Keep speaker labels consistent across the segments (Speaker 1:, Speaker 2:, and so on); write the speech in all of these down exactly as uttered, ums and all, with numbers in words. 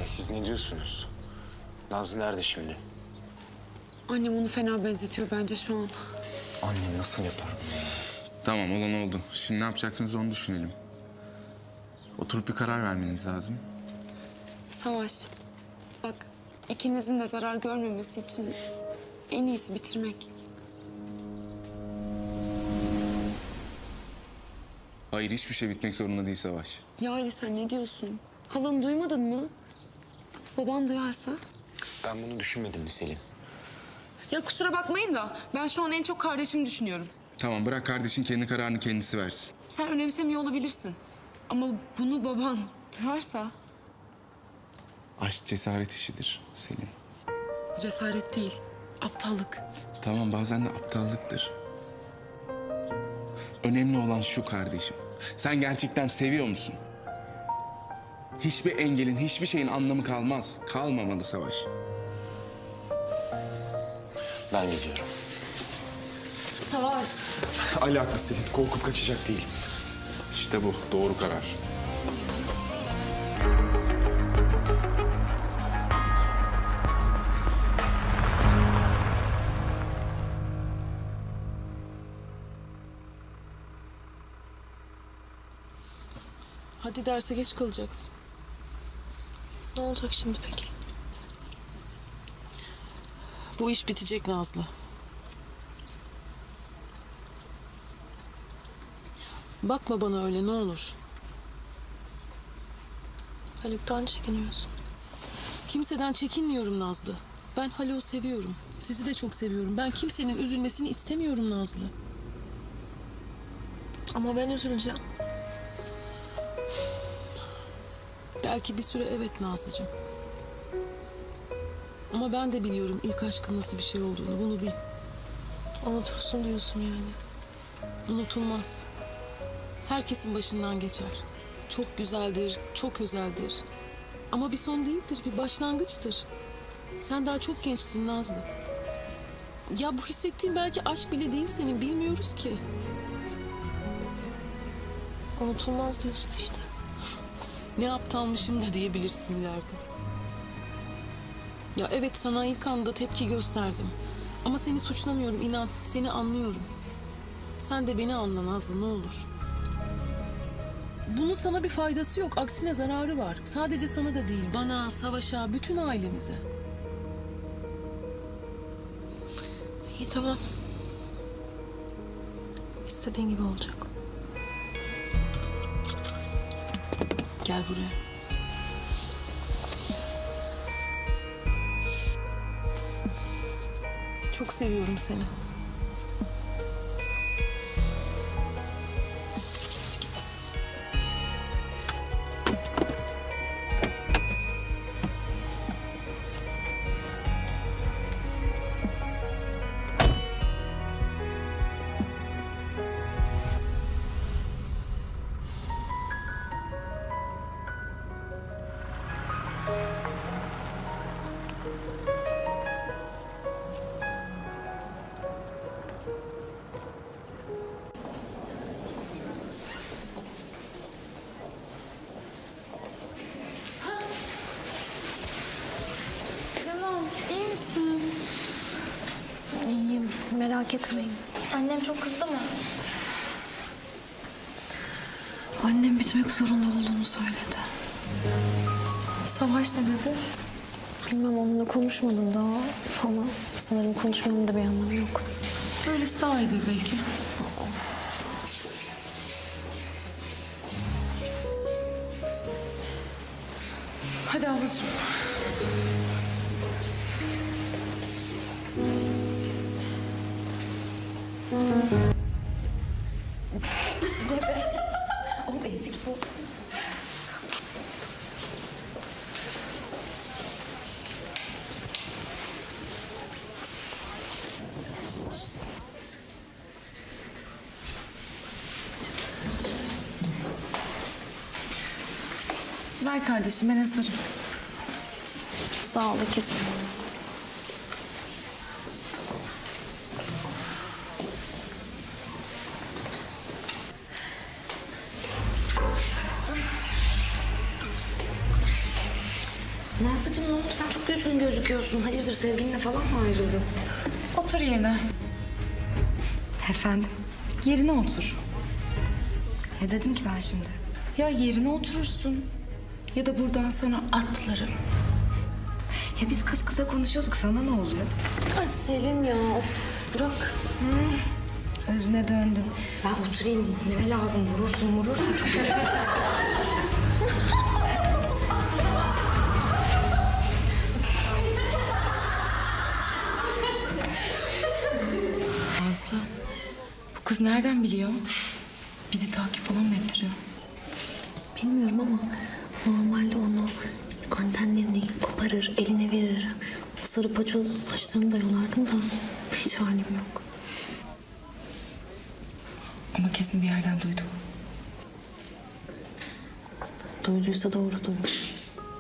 Speaker 1: Siz ne diyorsunuz? Nazlı nerede şimdi?
Speaker 2: Annem onu fena benzetiyor bence şu an.
Speaker 1: Anne nasıl yapar bunu ya?
Speaker 3: Tamam, olan oldu. Şimdi ne yapacaksınız onu düşünelim. Oturup bir karar vermeniz lazım.
Speaker 2: Savaş, bak ikinizin de zarar görmemesi için en iyisi bitirmek.
Speaker 3: Hayır, hiçbir şey bitmek zorunda değil Savaş.
Speaker 2: Ya Ali sen ne diyorsun? Halanı duymadın mı? Baban duyarsa?
Speaker 1: Ben bunu düşünmedim mi Selin?
Speaker 2: Ya kusura bakmayın da ben şu an en çok kardeşimi düşünüyorum.
Speaker 3: Tamam, bırak kardeşin kendi kararını kendisi versin.
Speaker 2: Sen önemsemiyor olabilirsin. Ama bunu baban duyarsa
Speaker 3: Aşk cesaret işidir Selin.
Speaker 2: bu cesaret değil, aptallık.
Speaker 3: Tamam, bazen de aptallıktır. Önemli olan şu kardeşim. Sen gerçekten seviyor musun? Hiçbir engelin, hiçbir şeyin anlamı kalmaz. Kalmamalı Savaş.
Speaker 1: Ben gidiyorum.
Speaker 2: Savaş.
Speaker 1: Ali haklı Selin. Korkup kaçacak değil.
Speaker 3: İşte bu, doğru karar.
Speaker 4: Hadi derse geç kalacaksın.
Speaker 5: Ne olacak şimdi peki?
Speaker 4: Bu iş bitecek Nazlı. Bakma bana öyle ne olur.
Speaker 5: Haluk'tan çekiniyorsun.
Speaker 4: Kimseden çekinmiyorum Nazlı. Ben Haluk'u seviyorum. Sizi de çok seviyorum. Ben kimsenin üzülmesini istemiyorum Nazlı.
Speaker 5: Ama ben üzüleceğim.
Speaker 4: Belki bir süre evet Nazlıcığım. Ama ben de biliyorum ilk aşkın nasıl bir şey olduğunu. Bunu bil.
Speaker 5: Unutursun diyorsun yani.
Speaker 4: Unutulmaz. Herkesin başından geçer. Çok güzeldir, çok özeldir. Ama bir son değildir, bir başlangıçtır. Sen daha çok gençsin Nazlı. Ya bu hissettiğin belki aşk bile değil senin, bilmiyoruz ki.
Speaker 5: Unutulmaz diyorsun işte.
Speaker 4: Ne aptalmışım da diyebilirsin ileride. Ya evet sana ilk anda tepki gösterdim. Ama seni suçlamıyorum inan, seni anlıyorum. Sen de beni anla Nazlı ne olur. Bunun sana bir faydası yok, aksine zararı var. Sadece sana da değil, bana, Savaş'a, bütün ailemize.
Speaker 5: İyi tamam. İstediğin gibi olacak.
Speaker 4: Gel buraya. Çok seviyorum seni. Hadi git.
Speaker 6: Canım, iyi misin?
Speaker 5: İyiyim, merak etmeyin.
Speaker 6: Annem çok kızdı mı?
Speaker 5: Annem bitmek zorunda olduğunu söyledi.
Speaker 2: Savaş ne dedi?
Speaker 5: Bilmem onunla konuşmadım daha ama sanırım konuşmanın da bir anlamı yok.
Speaker 2: Öylesi daha iyidir belki. Hadi ablacığım.
Speaker 6: O ezik bu.
Speaker 2: Ver kardeşim ben asarım.
Speaker 5: Sağ ol ikizim.
Speaker 7: Nazlıcığım ne oldu? Sen çok üzgün gözüküyorsun. Hayırdır sevgilinle falan mı ayrıldın?
Speaker 8: Otur yerine.
Speaker 7: Efendim?
Speaker 8: Yerine otur.
Speaker 7: Ne dedim ki ben şimdi?
Speaker 8: Ya yerine oturursun ya da buradan sana atlarım.
Speaker 7: Ya biz kız kıza konuşuyorduk. Sana ne oluyor?
Speaker 5: Ay Selin ya of bırak.
Speaker 7: Özüne döndün. Ben oturayım. Neme lazım? Vurursun vurursun. Çok
Speaker 8: Aslı, bu kız nereden biliyor? Bizi takip falan mı ettiriyor?
Speaker 5: Bilmiyorum ama normalde onu antenlerini koparır, eline verir. O sarı paçoz saçlarını da yolardım da hiç halim yok.
Speaker 8: Ama kesin bir yerden duydu.
Speaker 5: Duyduysa doğru duymuş.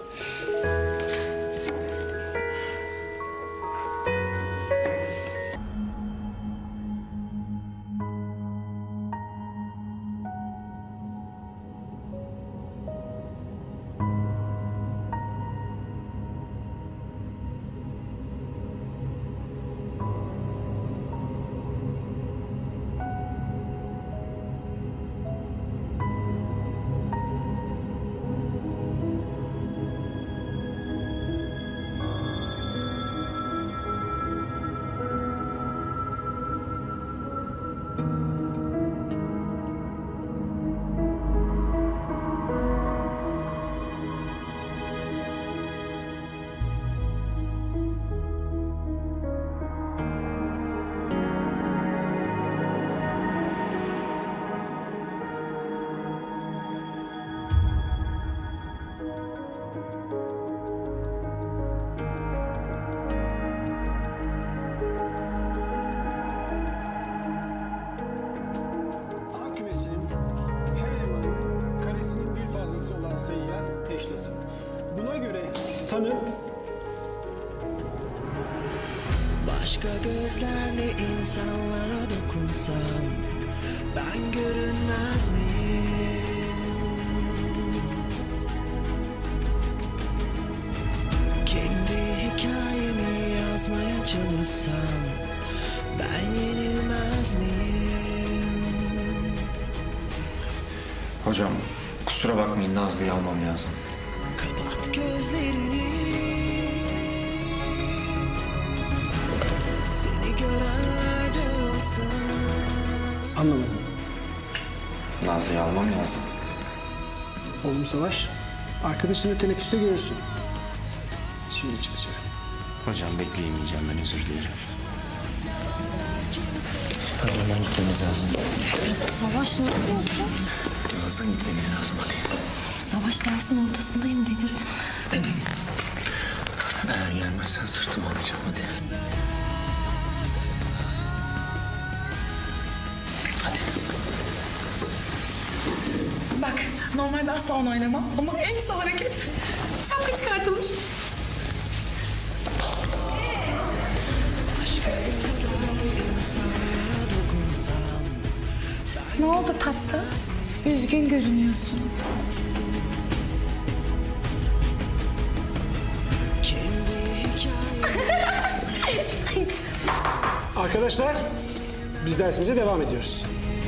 Speaker 9: A kümesinin her elemanın karesinin bir fazlası olan sayıya eşlesin. Buna göre tanım
Speaker 10: Başka gözlerle insanlara dokunsam ben görünmez miyim? Kendi hikayemi yazmaya çalışsam ben yenilmez miyim?
Speaker 1: Hocam kusura bakmayın, Nazlı'yı almam lazım.
Speaker 10: Kapat gözlerini, seni görenler de olsa.
Speaker 9: anlamadım.
Speaker 1: Nazlı'yı almam lazım.
Speaker 9: Oğlum Savaş, arkadaşını teneffüste görürsün. Şimdi çık dışarı.
Speaker 1: Hocam bekleyemeyeceğim, ben özür dilerim. Hadi hemen gitmemiz lazım.
Speaker 5: Savaş ne yapıyorsun?
Speaker 1: Nazlı gitmemiz lazım hadi.
Speaker 5: Savaş dersin ortasındayım delirdin.
Speaker 1: Eğer gelmezsen sırtımı alacağım hadi. Hadi.
Speaker 8: Bak, normalde asla onu oynamam ama en son hareket şapka çıkartılır. Ne oldu tatlı? Üzgün görünüyorsun.
Speaker 9: Arkadaşlar, biz dersimize devam ediyoruz.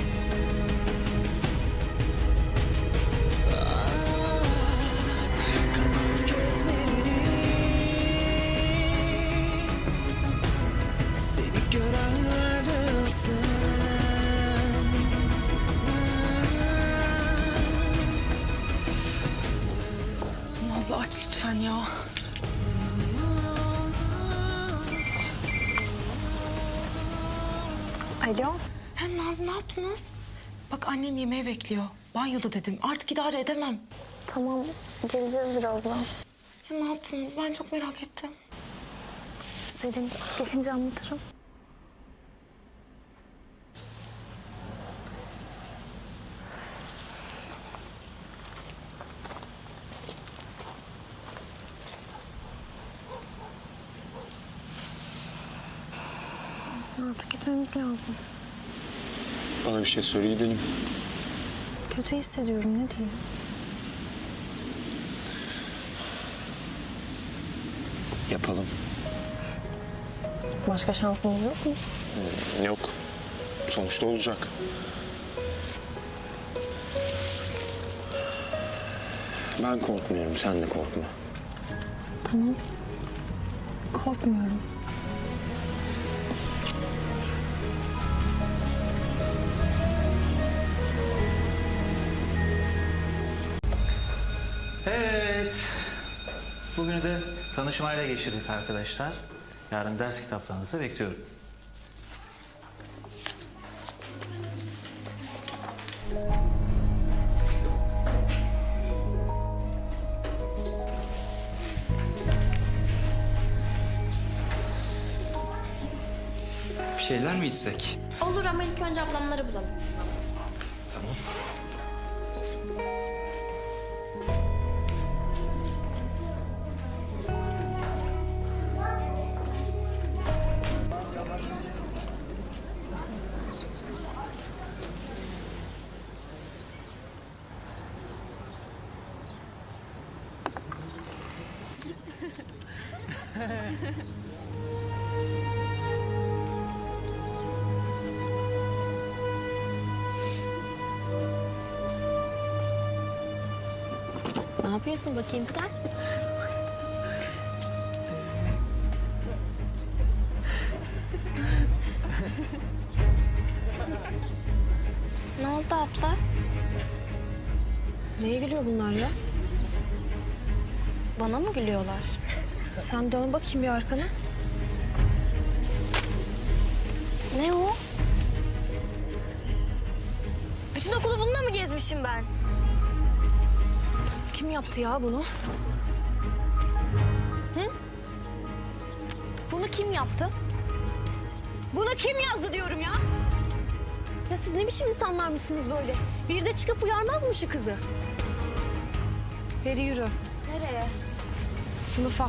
Speaker 10: Kapat gözlerini, seni görenler de olsa.
Speaker 8: Nazlı aç lütfen ya.
Speaker 5: Alo.
Speaker 8: Ha, Nazlı ne yaptınız? Bak annem yemeğe bekliyor. Banyoda dedim. Artık idare edemem.
Speaker 5: Tamam geleceğiz birazdan.
Speaker 8: Ya ne yaptınız? Ben çok merak ettim.
Speaker 5: Selin gelince anlatırım. Artık gitmemiz lazım.
Speaker 1: Bana bir şey söyle gidelim.
Speaker 5: Kötü hissediyorum ne diyeyim.
Speaker 1: Yapalım.
Speaker 2: Başka şansımız yok mu?
Speaker 1: Yok. Sonuçta olacak. Ben korkmuyorum, sen de korkma.
Speaker 2: Tamam. Korkmuyorum.
Speaker 11: Evet. Bugünü de tanışmayla geçirdik arkadaşlar. Yarın ders kitaplarınızı bekliyorum.
Speaker 1: Bir şeyler mi içsek?
Speaker 6: Olur ama ilk önce ablamları bulalım.
Speaker 1: Tamam.
Speaker 5: Ne yapıyorsun bakayım sen?
Speaker 6: Ne oldu abla?
Speaker 7: Neye gülüyor bunlar ya?
Speaker 6: Bana mı gülüyorlar?
Speaker 7: Sen dön bakayım bir arkana.
Speaker 6: Ne o?
Speaker 5: Bütün okulu bununla mı gezmişim ben?
Speaker 7: Kim yaptı ya bunu? Hı? Bunu kim yaptı? Bunu kim yazdı diyorum ya? Ya siz ne biçim insanlar mısınız böyle? Bir de çıkıp uyarmaz mı şu kızı? Peri yürü.
Speaker 6: Nereye?
Speaker 7: Sınıfa.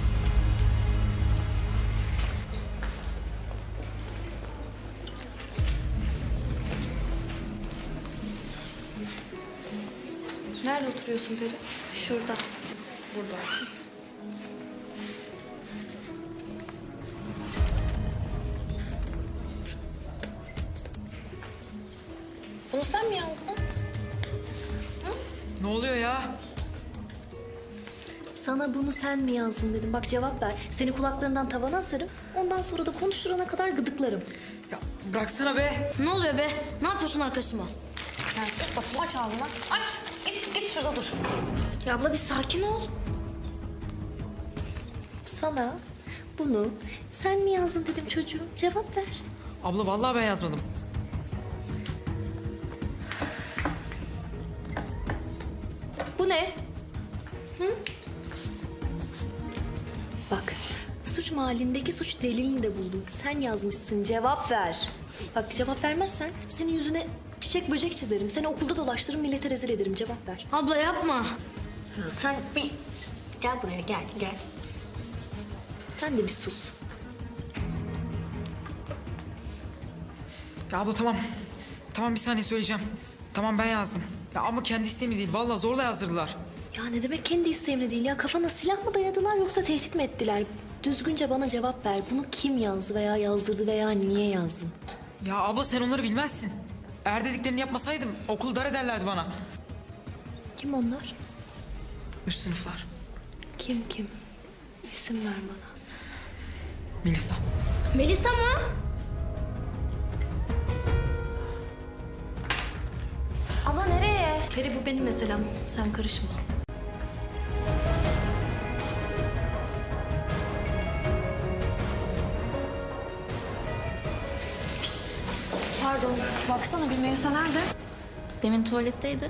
Speaker 5: Nerede oturuyorsun Peri?
Speaker 6: Şurada.
Speaker 5: Burada.
Speaker 6: Bunu sen mi yazdın?
Speaker 10: Ne oluyor ya?
Speaker 5: Sana bunu sen mi yazdın dedim. Bak cevap ver. Seni kulaklarından tavana asarım. Ondan sonra da konuşturana kadar gıdıklarım.
Speaker 10: Ya bıraksana be.
Speaker 5: Ne oluyor be? Ne yapıyorsun arkadaşıma?
Speaker 6: Sen sus bakayım, aç ağzını. Aç. Git, git şurada dur.
Speaker 5: Ya abla bir sakin ol. Sana bunu sen mi yazdın dedim çocuğum. Cevap ver.
Speaker 10: Abla vallahi ben yazmadım.
Speaker 5: Bu ne? Hı? Bak, suç mahallindeki suç delilini de buldum. Sen yazmışsın, cevap ver. Bak cevap vermezsen senin yüzüne çiçek böcek çizerim. Seni okulda dolaştırırım, millete rezil ederim. Cevap ver. Abla yapma. Sen bir... Gel buraya, gel, gel. Sen de bir sus.
Speaker 10: Ya abla tamam. Tamam bir saniye söyleyeceğim. Tamam ben yazdım. Ya ama kendi isteğimle değil. Vallahi zorla yazdırdılar.
Speaker 5: Ya ne demek kendi isteğimle değil ya? Kafana silah mı dayadılar yoksa tehdit mi ettiler? Düzgünce bana cevap ver. Bunu kim yazdı veya yazdırdı veya niye yazdın?
Speaker 10: Ya abla sen onları bilmezsin. Eğer dediklerini yapmasaydım okul dar ederlerdi bana.
Speaker 5: Kim onlar?
Speaker 10: Üst sınıflar.
Speaker 5: Kim kim? İsim ver bana.
Speaker 10: Melisa.
Speaker 5: Melisa mı?
Speaker 6: Abla nereye?
Speaker 5: Peri bu benim meselem. Sen karışma.
Speaker 7: Pardon, baksana bir Melisa nerede?
Speaker 5: Demin tuvaletteydi.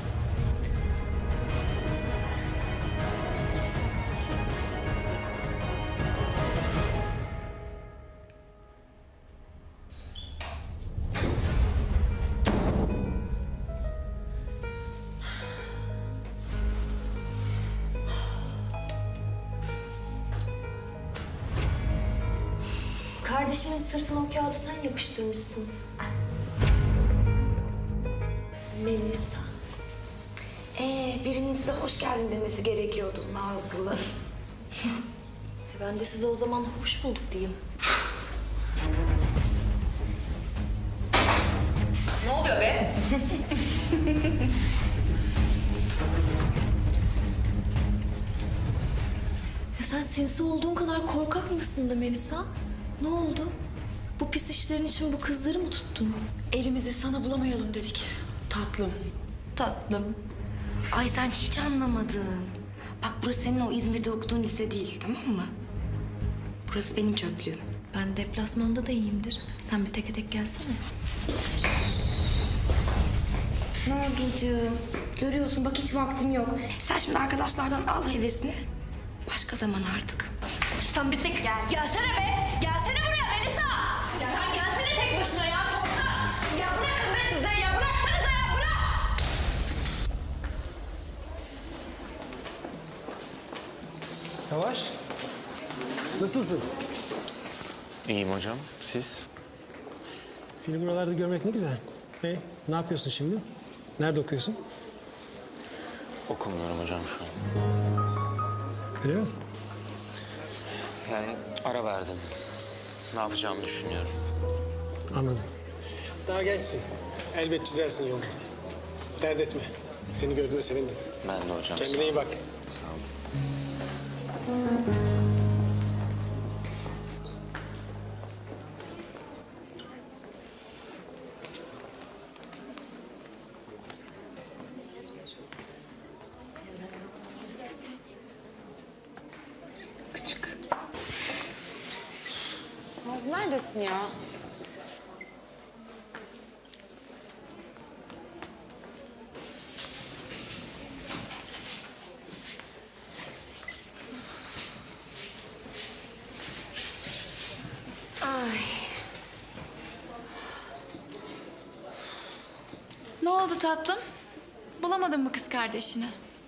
Speaker 5: Kardeşimin sırtına o kağıdı sen yapıştırmışsın. Melisa.
Speaker 7: Ee, birinin size hoş geldin demesi gerekiyordu Nazlı.
Speaker 5: Ben de size o zaman hoş bulduk diyeyim. Ne oluyor be? Ya sen sinsi olduğun kadar korkak mısın da Melisa? Ne oldu? Bu pis işlerin için bu kızları mı tuttun?
Speaker 8: Elimizi sana bulamayalım dedik. Tatlım.
Speaker 5: Tatlım.
Speaker 12: Ay sen hiç anlamadın. Bak burası senin o İzmir'de okuduğun lise değil, tamam mı? Burası benim çöplüğüm.
Speaker 5: Ben deplasmanda da iyiyimdir. Sen bir teke tek gelsene.
Speaker 12: Nazlıcığım, görüyorsun bak hiç vaktim yok. Sen şimdi arkadaşlardan al hevesini. Başka zaman artık.
Speaker 5: Sen bir tek gel. Gelsene be. Gelsene buraya Melisa. Sen gelsene tek başına ya korkak. Ya bırakın be size ya. Bıraksanıza ya bırak.
Speaker 9: Savaş, nasılsın?
Speaker 1: İyiyim hocam. Siz?
Speaker 9: Seni buralarda görmek ne güzel. E, ne yapıyorsun şimdi? Nerede okuyorsun?
Speaker 1: Okumuyorum hocam şu an.
Speaker 9: Öyle mi?
Speaker 1: Yani ara verdim. Ne yapacağımı düşünüyorum.
Speaker 9: Anladım. Daha gençsin. Elbet çizersin yolu. Dert etme. Seni gördüğüme sevindim.
Speaker 1: Ben de hocam.
Speaker 9: Kendine iyi bak.
Speaker 1: Sağ olun.
Speaker 2: Küçük. Naz neredesin ya?
Speaker 12: Ay.
Speaker 8: Ne oldu tatlım? Bulamadın mı kız kardeşini?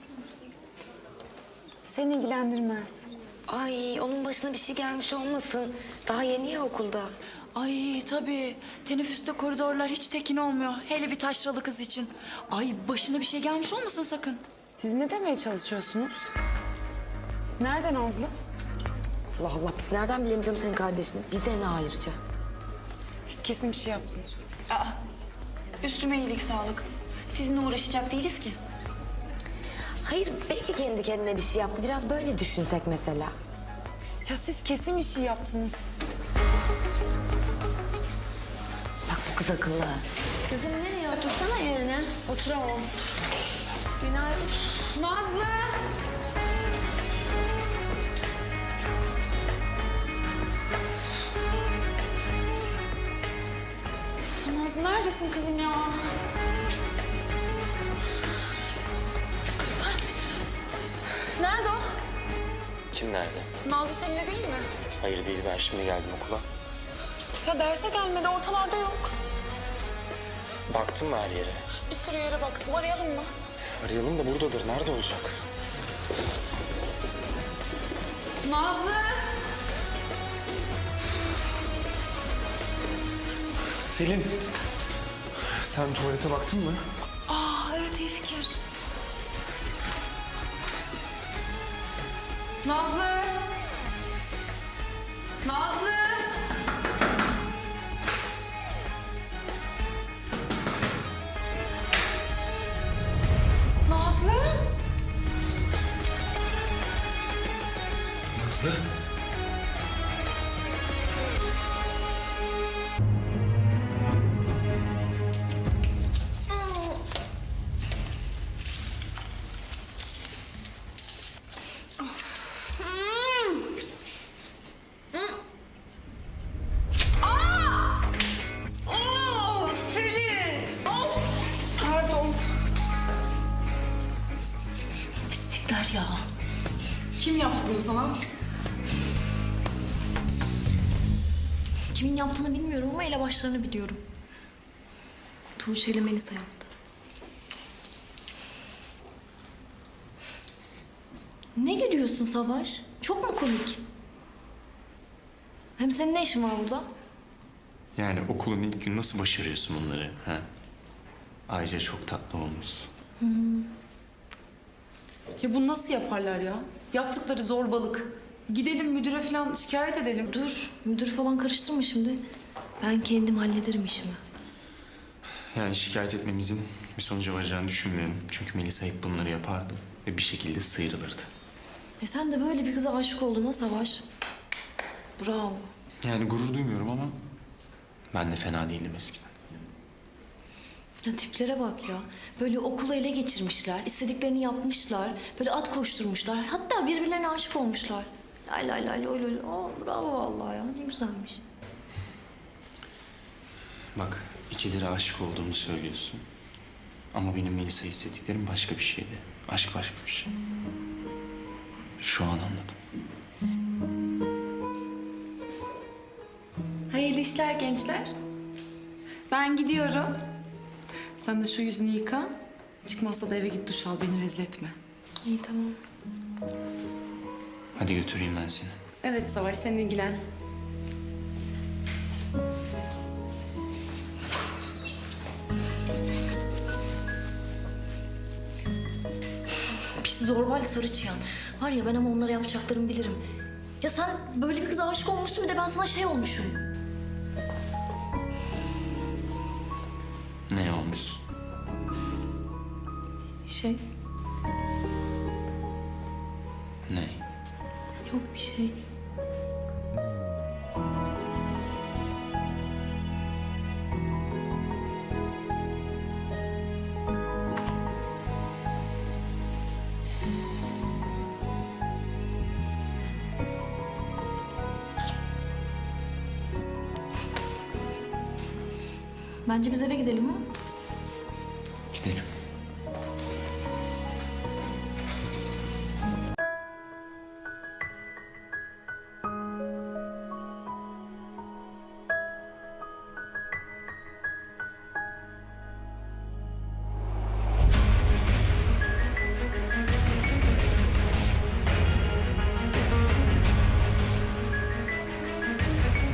Speaker 2: Seni ilgilendirmez.
Speaker 12: Ay onun başına bir şey gelmiş olmasın. Daha yeni ya okulda.
Speaker 8: Ay tabii. Teneffüste koridorlar hiç tekin olmuyor. Hele bir taşralı kız için. Ay başına bir şey gelmiş olmasın sakın.
Speaker 2: Siz ne demeye çalışıyorsunuz? Nerede Nazlı?
Speaker 12: Allah Allah biz nereden bilelim canım senin kardeşini? Bize ne ayrıca?
Speaker 2: Siz kesin bir şey yaptınız.
Speaker 8: Aa, üstüme iyilik sağlık. Sizinle uğraşacak değiliz ki.
Speaker 12: Hayır belki kendi kendine bir şey yaptı. Biraz böyle düşünsek mesela.
Speaker 2: Ya siz kesin bir şey yaptınız.
Speaker 12: Bak bu kız akıllı.
Speaker 5: Kızım nereye otursana yerine.
Speaker 2: Oturamam.
Speaker 5: Günaydın.
Speaker 2: Nazlı! Üf, Nazlı neredesin kızım ya? Nerede o?
Speaker 1: Kim nerede?
Speaker 2: Nazlı seninle değil mi?
Speaker 1: Hayır değil, ben şimdi geldim okula.
Speaker 2: Ya derse gelmedi, ortalarda yok.
Speaker 1: Baktın mı her yere?
Speaker 2: Bir sürü yere baktım, arayalım mı?
Speaker 1: Arayalım da buradadır. Nerede olacak?
Speaker 2: Nazlı!
Speaker 1: Selin. Sen tuvalete baktın mı?
Speaker 2: Aa evet, iyi fikir. Nazlı! Nazlı! Nazlı!
Speaker 1: Nazlı.
Speaker 5: Pislikler ya.
Speaker 4: Kim yaptı bunu sana?
Speaker 5: Kimin yaptığını bilmiyorum ama elebaşlarını biliyorum. Tuğçe ile Melisa yaptı. Ne gülüyorsun Savaş? Çok mu komik? Hem senin ne işin var burada?
Speaker 1: Yani okulun ilk günü nasıl başarıyorsun bunları? Ha? Ayrıca çok tatlı olmuşsun.
Speaker 4: Ya bunu nasıl yaparlar ya? Yaptıkları zorbalık.
Speaker 8: Gidelim müdüre falan şikayet edelim.
Speaker 5: Dur, müdür falan karıştırma şimdi. Ben kendim hallederim işimi.
Speaker 1: Yani şikayet etmemizin bir sonuca varacağını düşünmüyorum. Çünkü Melisa hep bunları yapardı ve bir şekilde sıyrılırdı.
Speaker 5: E sen de böyle bir kıza aşık oldun ha Savaş. Bravo.
Speaker 1: Yani gurur duymuyorum ama ben de fena değildim eskiden.
Speaker 5: Ya tiplere bak ya. Böyle okulu ele geçirmişler, istediklerini yapmışlar. Böyle at koşturmuşlar. Hatta birbirlerine aşık olmuşlar. Lay lay lay lay lay. Aa, bravo vallahi ya. Ne güzelmiş.
Speaker 1: Bak ikidir aşık olduğumu söylüyorsun. Ama benim Melisa hissettiklerim başka bir şeydi. Aşk başka bir şey. Şu an anladım.
Speaker 8: Hayırlı işler gençler. Ben gidiyorum. Sen de şu yüzünü yıka. Çıkmazsa da eve git duş al, beni rezil etme.
Speaker 5: İyi tamam.
Speaker 1: Hadi götüreyim ben seni.
Speaker 8: Evet Savaş, sen ilgilen.
Speaker 5: Pis zorbayla sarı çıyan. Var ya ben ama onlara yapacaklarımı bilirim. Ya sen böyle bir kıza aşık olmuşsun bir de ben sana şey olmuşum.
Speaker 1: Ne olmuşsun?
Speaker 5: Şey,
Speaker 1: Ne?
Speaker 5: yok bir şey. Bence biz eve gidelim ha?